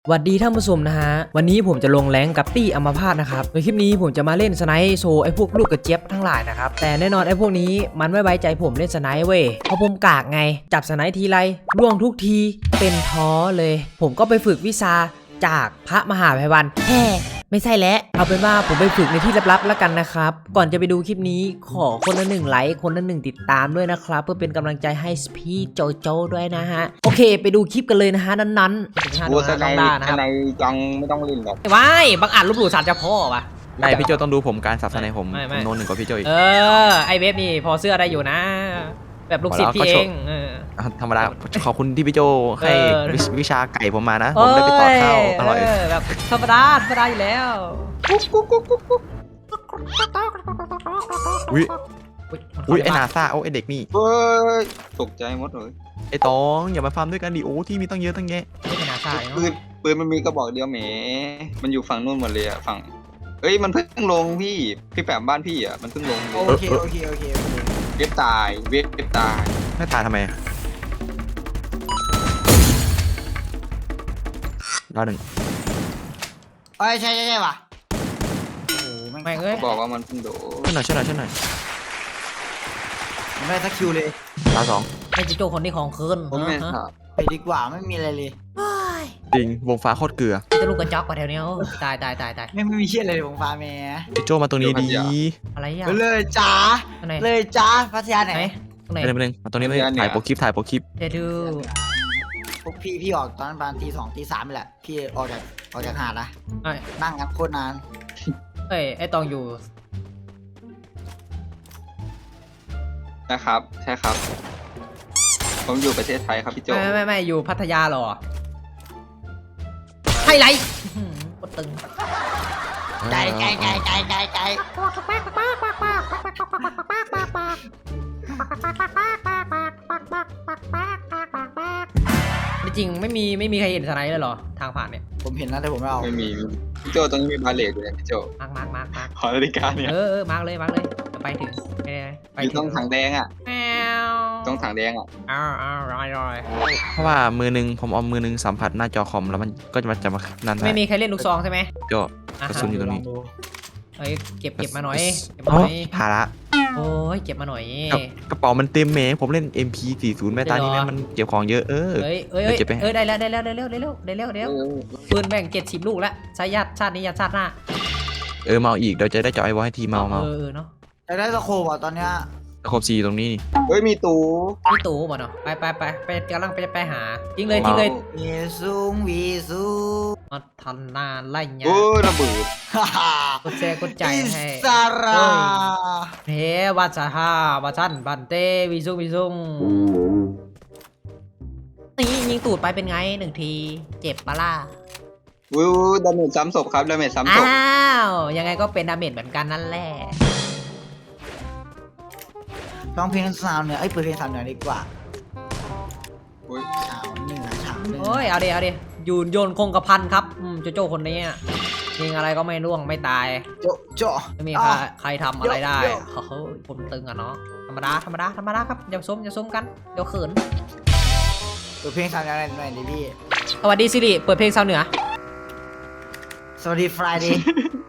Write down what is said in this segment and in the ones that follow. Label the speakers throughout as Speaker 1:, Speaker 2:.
Speaker 1: สวัสดีท่านผู้ชมนะฮะวันนี้ผมจะลงแรงกับตี้อัมพาตนะครับในคลิปนี้ผมจะมาเล่นสไนป์โชว์ไอ้พวกลูกกระเจี๊ยบทั้งหลายนะครับแต่แน่นอนไอ้พวกนี้มันไม่ไว้ใจผมเล่นสไนป์เว้ยเพราะผมกากไงจับสไนป์ทีไรร่วงทุกทีเป็นท้อเลยผมก็ไปฝึกวิชาจากพระมหาไพวันไม่ใช่แล้วเอาเป็นว่าผมไปฝึกในที่ลับๆแล้วกันนะครับก่อนจะไปดูคลิปนี้ขอคนละ1 ไลค์คนละ1 ติดตามด้วยนะครับเพื่อเป็นกำลังใจให้พี่โจโจด้วยนะฮะโอเคไปดูคลิปกันเลยนะฮะนั้นๆ
Speaker 2: กูสไน
Speaker 1: ด้านะครับ
Speaker 2: ในจังไม่ต้องเล่นหรอก
Speaker 1: ว้ายบางอ่านลบหลู่ศาลเจ้าพ่อวะ
Speaker 3: ไม่พี่โจต้องดูผมการสับสนในผม
Speaker 1: ไม่
Speaker 3: ผมโน้นหนึ่งกว่าพี่โจอีก
Speaker 1: ไอเวฟนี่พอเสื้อได้อยู่นะ แบบลูกศิษย์พี่เอง
Speaker 3: ธรรมดาขอบคุณที่พี่โจให้
Speaker 1: เออ
Speaker 3: วิชาไก่ผมมานะผมได้ไปต่อข้าวอร่อย
Speaker 1: แบบธรรมดาอยู่แล้ว
Speaker 3: อุ้ยไอนาซาโอ้ไอเด็กนี่
Speaker 2: เฮ้ยตกใจหมดเลย
Speaker 3: ไอตองอย่ามาฟาร์มด้วยกันดิโอ้ที่มีตั้งเยอะตั้งแยะ
Speaker 1: ไม่เป็นอาซา
Speaker 2: ปืนมันมีกระบอกเดียวแหมมันอยู่ฝั่งนู้นหมดเลยอะฝั่งเอ้ยมันเพิ่งลงพี่แปมบ้านพี่อะมันเพิ่งลง
Speaker 4: โอเค
Speaker 2: เว็บตายเว็บตาย
Speaker 3: ไม่ตายทำไมดาวหนึ่ง
Speaker 4: เอ้ยใช่ว่ะโอ้โหแม่ง
Speaker 1: แม่งเอ้ย
Speaker 2: บอกว่ามันเพิ่งโดน
Speaker 3: ช่วยหน่อย
Speaker 4: ไม่ได้สักคิวเลย
Speaker 3: ดาวสอง
Speaker 1: ไอจิโจคนที่ของคืน
Speaker 2: ผมไม่ถาม
Speaker 4: ไปดีกว่าไม่มีอะไรเลย
Speaker 3: จริงวงฟ้าโคตรเกลือ
Speaker 1: จะลูกกระจอกกว่าแถวนี้ตาย
Speaker 4: ไม่มีเชี่ยอะไรเลยผมฟ้าแม่
Speaker 3: พี่โจมาตรงนี้ดี
Speaker 1: อะไรอ่ะ
Speaker 4: เลยจ้า
Speaker 1: ตรงไหน
Speaker 4: เลยจ้าพัทยาไหน
Speaker 1: ตรงไหน
Speaker 3: ไม่เป็นมาตรงนี้ไม่ถ่ายโปรคลิป
Speaker 1: เดี๋ยวดู
Speaker 4: พวกพี่ออกตอนประมาณตี 2 ตี 3นี่แหละพี่ออกจากหาดนะ
Speaker 1: ไอ้
Speaker 4: นั่งกันโคตรนาน
Speaker 1: ไอตองอยู่
Speaker 2: นะครับใช่ครับ ผมอยู่ประเทศไทยครับพี่โจ
Speaker 1: ไม่อยู่พัทยาหรอไฮไลท์กดตึง
Speaker 4: ใจ
Speaker 1: จริงไม่มีใครเห็นสไนด์เลยเหรอทางผ่านเนี่ย
Speaker 4: ผมเห็นนะแต่ผมไม่เอา
Speaker 2: ไม่มีพี่โจตรงนี้มีบาเลตอยู่เลยพี่โจ
Speaker 1: มาร์ก
Speaker 2: ขอนาฬิกาเนี่ย
Speaker 1: มาร์กเลยจะไปถึงไป
Speaker 2: อยู่ตรงถังแดงอะ
Speaker 1: แมว
Speaker 2: ตรงถังแดงอะ
Speaker 1: รอย
Speaker 3: เพราะว่ามือนึงผมเอามือนึงสัมผัสหน้าจอคอมแล้วมันก็จะมานั่น
Speaker 1: ไม่มีใครเล่นลูกซองใช่ไหม
Speaker 3: โจกระสุนอยู่ตรงนี้
Speaker 1: เฮ้ยเก็บมาหน่อย
Speaker 3: ภาระ
Speaker 1: โอ้ยเก็บมาหน่อย
Speaker 3: กระเป๋ามันเต็มแหมผมเล่น MP40 แม่ตานี่แม่มันเก็บของเยอะ
Speaker 1: เฮ้ยได้แล้วปืนแบ่ง70 ลูกแล้วใช้ญาติชาตินี้ญาติชาติหน้า
Speaker 3: เมาอีกเดี๋ยวจะได้เจาะไอ้วอลให้ทีเมา
Speaker 1: เนาะ
Speaker 4: แต่ได้สโคบอ่ะตอนเนี้ย
Speaker 3: ครบ4ตรงนี้นี่
Speaker 2: เฮ้ยมีตู
Speaker 1: พี่ตู่บ่เนาะไปกำลังไปหาจริงเลย
Speaker 4: วีซุง
Speaker 1: มาทันนานไล่เงี้ย
Speaker 2: โอ้ยระเบิด
Speaker 4: ฮ่าฮ่าก
Speaker 1: ดแชร์กดใจให้
Speaker 4: สารา
Speaker 1: เฮ้วัชฮาวาชันบันเตวิซุงนี่ยิงตูดไปเป็นไง1 ทีเจ็บปะล่ะ
Speaker 2: วิวดาเมจซ้ำศพครับดาเมจซ้ำศพ
Speaker 1: อ้าวยังไงก็เป็นดาเมจเหมือนกันนั่นแหละ
Speaker 4: ร้องเพลงสาวเหนือเปิดเพลงสาวเหนือดีกว่า
Speaker 2: อุ้ย
Speaker 4: สาวเหนือสาวเหนือ
Speaker 1: โอ้ยเอาดิโยนคงกระพันครับโจคนนี้ยิงอะไรก็ไม่ร่วงไม่ตาย
Speaker 4: โจะ
Speaker 1: ไม่มีใครทำอะไรได้เฮ้ยผมตึงอ่ะเนาะธรรมดาครับอย่าส้มกันเดี๋ยวเขิน
Speaker 4: เปิดเพลงสาวเหนือหน่อยดิพี่
Speaker 1: สวัสดีซิริเปิดเพลงชาวเหนือ
Speaker 4: สวัสดีฟรายเดย์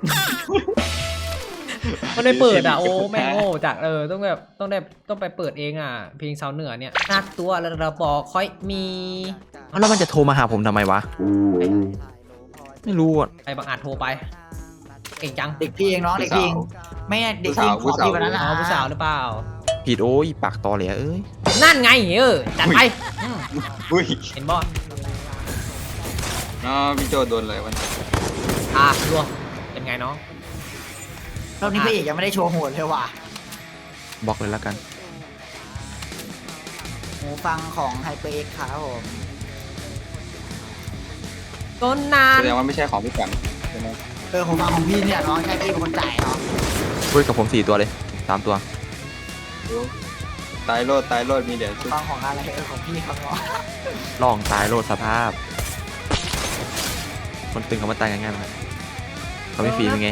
Speaker 1: มันไม่เปิดอ่ะโอ้แม่งโง่จากต้องไปเปิดเองอ่ะเพลงชาวเหนือเนี่ยนักตัวระบอค่อยมี
Speaker 3: แล้วมันจะโทรมาหาผมทำไมวะไม่รู้อ่ะ
Speaker 1: ไอ้บางอาจโทรไปเก่งจัง
Speaker 4: เด็กพี่เองน้องเด็กพี่เองไม่เด็กพี่ขอพี่วันนั้นนะ
Speaker 1: ผู้สาวหรือเปล่า
Speaker 3: ผิดโอ้ยปากตอเลยเอ้ย
Speaker 1: นั่นไงจัดไป
Speaker 2: อุ้ย
Speaker 1: เห็นบอส
Speaker 2: น้อพี่โจโดนเลยวัน
Speaker 1: รวมเป็นไงน้อง
Speaker 4: รอบนี้พี่เอกยังไม่ได้โชว์โหดเลยว่ะ
Speaker 3: บล็อกเลยแล้วกัน
Speaker 4: หูฟังของไฮเปอร์เอ็กครับผม
Speaker 1: ต้นนาน
Speaker 2: แสดงว่าไม่ใช่ของพี่แปมใช่ไหม
Speaker 4: หูฟังของพี่เนี่ยน้องใช่พี่เป็นคนจ่ายเนาะ
Speaker 3: เฮ้ยกับผม4 ตัวเลย3 ตัว
Speaker 2: ตายโลดมีเดี๋ยวชุบ
Speaker 4: ฟังของอะไรของพี่ครับเนาะ
Speaker 3: ลองตายโลดสภาพ คนตึงเขามาตายง่ายๆเลยเขาไม่ฟรีเป็นไง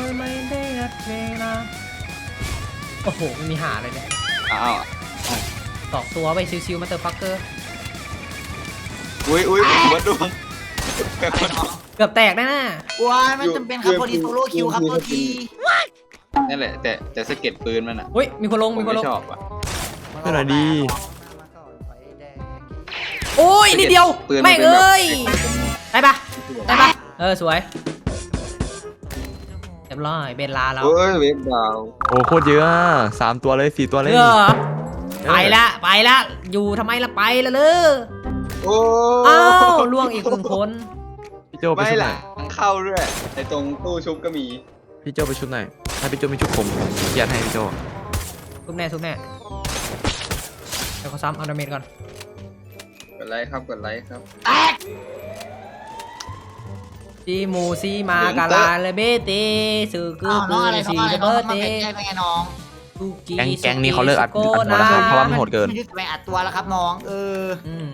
Speaker 1: โอ้โหไม่มีหาเลยเนี่ย
Speaker 2: อ้าว
Speaker 1: 2 ตัวไปชิวๆมาเตอร์ฟักเกอร์
Speaker 2: อุ้ยวัดดวง
Speaker 1: เกือบแตกแน่น่ะ
Speaker 4: ว้ายไม่จำเป็นครับพอดีโซโล่คิวครับตัวที
Speaker 2: นั่นแหละแต่สะเก็ดปืนมันอ่ะ
Speaker 1: อุ้ยมีคนลง
Speaker 2: ผม
Speaker 1: มีคน
Speaker 2: ไม่
Speaker 1: ลง
Speaker 2: ชอบอ่ะ
Speaker 3: ช่วยหน่อยดี
Speaker 1: โอ้ยนิดเดียว
Speaker 2: ปืนมัน
Speaker 1: แม่ง
Speaker 2: เป็นแบบ
Speaker 1: เอ้ยได้ปะได้ปะสวยเรียบร้อยเบนลาแล้ว
Speaker 2: เฮ้ยเวฟดาว
Speaker 3: โอ้โคตรเยอะอะ3 ตัวเลย4 ตัวเลย
Speaker 1: ไปละอยู่ทำไมละไปละเลย
Speaker 2: โอ้
Speaker 1: อ้าวล่วงอีกหนึ่งคน
Speaker 3: พี่โจไป
Speaker 2: ไม่
Speaker 3: ชุดไหน
Speaker 2: ล่ะเข้าด้วยในตรงตู้ชุบก็มี
Speaker 3: พี่โจไปชุดไหนถ้าพี่โจมีชุดผมเกียรให้พี่โจ
Speaker 1: ทุบแน่เดี๋ยวเขาซ้ำเอาดาเมจก่อน
Speaker 2: กดไลค์ครับกดไลค์ครับ
Speaker 4: แตก
Speaker 1: ซีมูซีมากาลาเลเบเตสือกือ
Speaker 4: น้องอะไร
Speaker 1: ซี
Speaker 4: น้องอะไร
Speaker 1: เบ
Speaker 4: น้อง
Speaker 1: อร์
Speaker 4: มา
Speaker 1: เต
Speaker 4: เป็นแก้ไงน้อง
Speaker 3: แก๊งนี้เขาเลิกอัดตัวแล้วครับเพราะว่ามันโหดเกิน
Speaker 4: ไม่ได้ไปอัดตัวแล้วครับน้อง
Speaker 1: อืม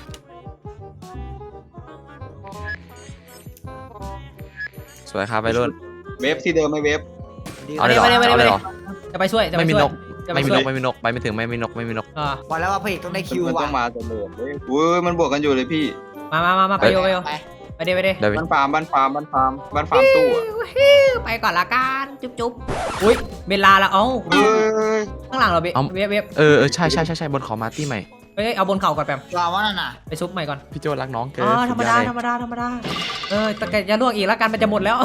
Speaker 3: สวยครับไปรุ่น
Speaker 2: เวฟที่เดิมไหม่เวฟ
Speaker 3: เอาเลยเหรอเอาเลยเหรอ
Speaker 1: จะไปช่วย
Speaker 3: ไม่มีนก
Speaker 1: จะไป
Speaker 3: ไม่มี
Speaker 1: ช่
Speaker 3: น
Speaker 1: วย
Speaker 3: กไม่มีนกไปไม่ถึงไม่มีนกไม่มีนก
Speaker 4: บอกแล้วว่าพระเอกต้องได้คิว
Speaker 2: มันต้
Speaker 4: ว่ะ
Speaker 2: องมาเสมอเว้ยอุ้ยมันบวกกันอยู่เลยพี่
Speaker 1: มาไปโยไปเดี๋ยว
Speaker 3: เดี๋ยว
Speaker 2: บ้านฟาร์มตู้อ่ะ
Speaker 1: ไปก่อนละกันจุ๊บอุ้ยเบลลาละเอ้า
Speaker 2: เฮ้ย
Speaker 1: ข้างหลังเราเวฟ
Speaker 3: เออใช่บนเขามาตี้ใหม่
Speaker 1: เฮ้ยเอาบนเข่าก่อนแปม
Speaker 4: รอว่านั่นน่ะ
Speaker 1: ไปซุปใหม่ก่อน
Speaker 3: พี่โจรักน้องเกิน
Speaker 1: ธรรมดาแต่แกจะลวกอีกแล้วกันมันจะหมดแล้ว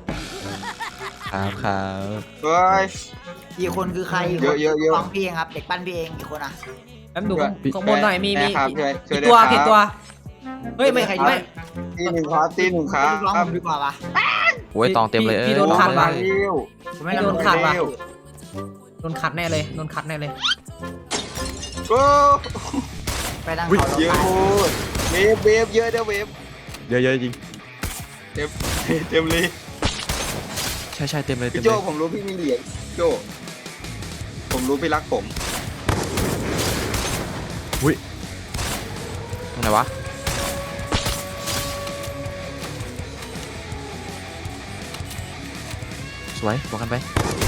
Speaker 3: ครับ
Speaker 2: เฮ้ย
Speaker 4: อีกคนคือใคร
Speaker 2: เยอะ
Speaker 4: ฟังพี่เองครับเด็กปั้นพี่เองอีกคนอ่ะ
Speaker 1: แป๊บดูข้างบนหน่อยมี
Speaker 2: แม่ครับช่วย
Speaker 1: ตัว
Speaker 2: ด้วยครับ
Speaker 1: ผิดตัวเฮ้ยไม่
Speaker 2: ตีหนึ่งครับตีหนึ่งครั
Speaker 4: ร้อง
Speaker 2: บ
Speaker 4: ผมดีกว่าปะ
Speaker 3: โอ้ยตองเต็มเลย
Speaker 1: พี่โดนขัดว่ะ
Speaker 2: เร็ว
Speaker 4: ผมไม่
Speaker 1: โด
Speaker 4: โด
Speaker 1: น
Speaker 4: น
Speaker 1: ขั
Speaker 4: ขั
Speaker 1: ด
Speaker 4: ด
Speaker 1: ว่ะ
Speaker 2: เร็ว
Speaker 1: โดนขัดแน่เลย
Speaker 2: โอ้
Speaker 4: ไปดัง
Speaker 2: เยอะโคตรเวฟเยอะเด้อเวฟ
Speaker 3: เยอะจริง
Speaker 2: เต็มเลย
Speaker 3: ใช่เต็มเลย
Speaker 2: พี่โจผมรู้พี่มีเหรียญโจผมรู้พี่รักผม
Speaker 3: ตรงไหนวะสวยบอกกันไป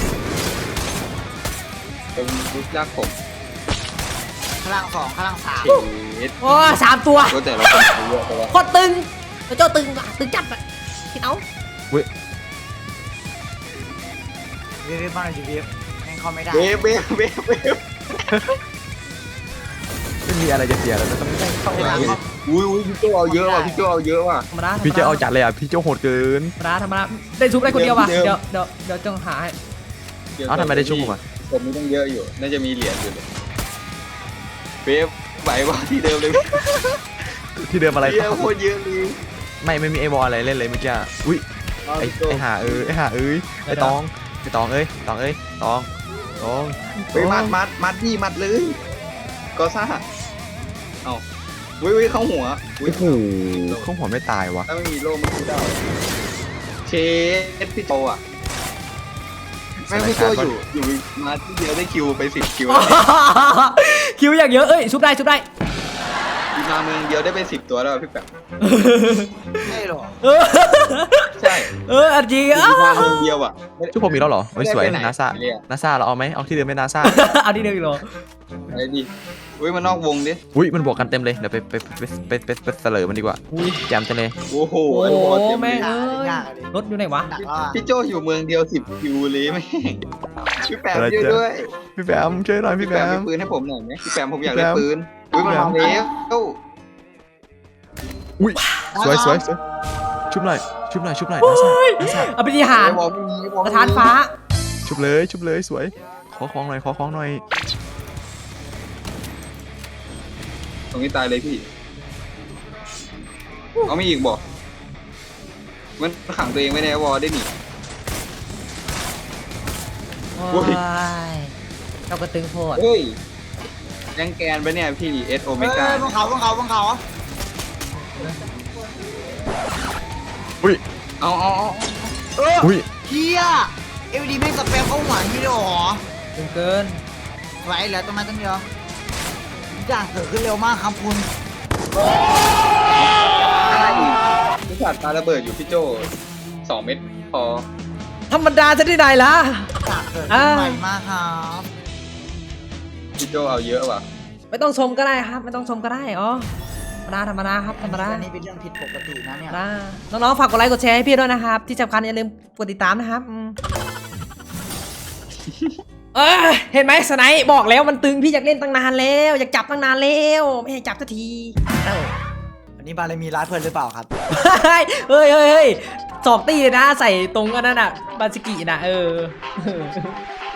Speaker 2: ผมรู้รักผม
Speaker 4: ข้างล่าง2ข้างล่าง3
Speaker 2: ชีวิต
Speaker 1: โอ้3 ตัว
Speaker 2: ก็แต่ละคนเยอะแต่ว่า
Speaker 1: โคตรตึงเจ้าตึงจัดอ่ะคิดเอา
Speaker 4: เวฟบ้านอะไรเวฟแม่งเข้าไม่ได้
Speaker 2: เวฟ
Speaker 3: ไม่มีอะไรจะเสียแล้วต้องได้เข้ามา
Speaker 2: อุ้ยพี่โจเอาเยอะว่ะพี่โจเอาเยอะว่ะ
Speaker 1: ธรรมดา
Speaker 3: พี่โจเอาจัดเลยอ่ะพี่โจโหดเกิน
Speaker 1: ธรรมดาได้ซุปได้คนเดียวว่ะ
Speaker 2: เดี๋ยว
Speaker 1: เดี๋ยวจ้องหาให้
Speaker 3: เอ้าทำไมได้ชุ่มอ่ะ
Speaker 2: ผมมีต้องเยอะอยู่น่าจะมีเหรียญอยู่เลยเวฟไหวว่ะที่เดิมเลย
Speaker 3: ที่เดิมอะไร
Speaker 2: เยอะโคตรเยอะเลย
Speaker 3: ไม่มีไอวอลอะไรเล่นเลยเมื่อกี้อุ้ยไอหาไอตองเอ้ยตอง
Speaker 2: ไปมัดดิมัดเลยก็ซ่าเอาวิเข้าหัว
Speaker 3: โอ้โหเขาหัวไม่ตายวะ
Speaker 2: ถ้าไม่มีโล่มันคือได้เชฟพี่โตอ่ะแม่งพี่โตอยู่มาที่เดียวได้คิวไป10 คิว
Speaker 1: คิวอย่างเยอะเอ้ยซุปได้
Speaker 2: มาเมืองเดียวได้ไป10 ตัวแล้วพี่แป๊บ
Speaker 4: ใช่หรอ
Speaker 2: ใช่
Speaker 1: จริง
Speaker 2: มาเมืองเดียวอ่ะ
Speaker 3: ชุดผมมีแล้วเหรอเฮ้ยสวย
Speaker 2: ไม่ได้ไปไหน
Speaker 3: นาซาเราเอาไหมเอาที่เดิมไม่นาซา
Speaker 1: เอาที่เดิมอีกเหรอ
Speaker 2: อะไรดิอุ้ยมันนอกวงดิ
Speaker 3: อุ้ยมันบวกกันเต็มเลยเดี๋ยวไปเสลอมันดีกว่าแจมจังเลย
Speaker 2: โอ้โห
Speaker 1: โอ้
Speaker 2: ไอ้บอลเต็ม
Speaker 1: แม่
Speaker 2: เลย
Speaker 1: เอ้ย
Speaker 4: ยากเลย
Speaker 1: รถอยู่ไหนวะ
Speaker 4: ดักแล้ว
Speaker 2: พี่โจอยู่เมืองเดียว10 คิวเลยแม่งพี่แปมช่วยด้วย
Speaker 3: พี่แบมช่วยหน่อย
Speaker 2: พี่
Speaker 3: พี่
Speaker 2: แป
Speaker 3: แบ
Speaker 2: ม
Speaker 3: ม
Speaker 2: มีปืนให้ผมหน่อยไหมพี่แปมผมอยาก
Speaker 3: พี่
Speaker 2: ได้
Speaker 3: แปม
Speaker 2: ปืนอุ้ยมันมาแล้ว
Speaker 3: อุ้ยสวยชุบหน่อยนาซา
Speaker 1: เอาไปที่หาร
Speaker 2: บอลไม่มีบอล
Speaker 1: สถานฟ้า
Speaker 3: ชุบเลยสวยขอของหน่อย
Speaker 2: ตรงนี้ตายเลยพี่เอาไม่อีกบอกมันขังตัวเองไว้ในวอลได้หนิ
Speaker 1: โอ้
Speaker 2: โอ้ย
Speaker 1: ยเจ้ากระตึงโพด
Speaker 2: เฮ้ยยังแกนปะเนี่ยพี่เอสโอเมก้า
Speaker 4: บนเขา
Speaker 3: อุ้ย
Speaker 2: เอา
Speaker 3: อุ้ย
Speaker 4: เฮียเอวีดีไม่สเปมเข้าหัวพี่หรอ
Speaker 1: ตึงเกิน
Speaker 4: ไหวแล้วตรงนั้นตั้งเดียวอย่างเกิดขึ้นเร็วมากครับคุณ
Speaker 2: พี่สัตว์ปาระเบิดอยู่พี่โจ2 เม็ดพอ
Speaker 1: ธรรมดาจะได้ไหนล่ะ
Speaker 4: อย่างเกิดขึ้นใหม่มากครับ
Speaker 2: พี่โจเอาเยอะว่ะ
Speaker 1: ไม่ต้องชมก็ได้ครับ ไม่ต้องชมก็ได้อ๋อธรรมดาครับธรรมดา
Speaker 4: อันนี้เป็นเรื่องผิดปกตินะเนี่ย
Speaker 1: น้องๆฝากกดไลค์กดแชร์ให้พี่ด้วยนะครับ ที่สำคัญอย่าลืมกดติดตามนะครับเห็นไหมสไนป์บอกแล้วมันตึงพี่อยากเล่นตั้งนานแล้วอยากจับตั้งนานแล้วไม่ให้จับสักทีเอ้า
Speaker 4: วันนี้บาเลยมีร้านเพื่อนหรือเปล่าครับ
Speaker 1: เฮ้ยสอกตีเลยนะใส่ตรงอันนั้นอ่ะบาสกินะ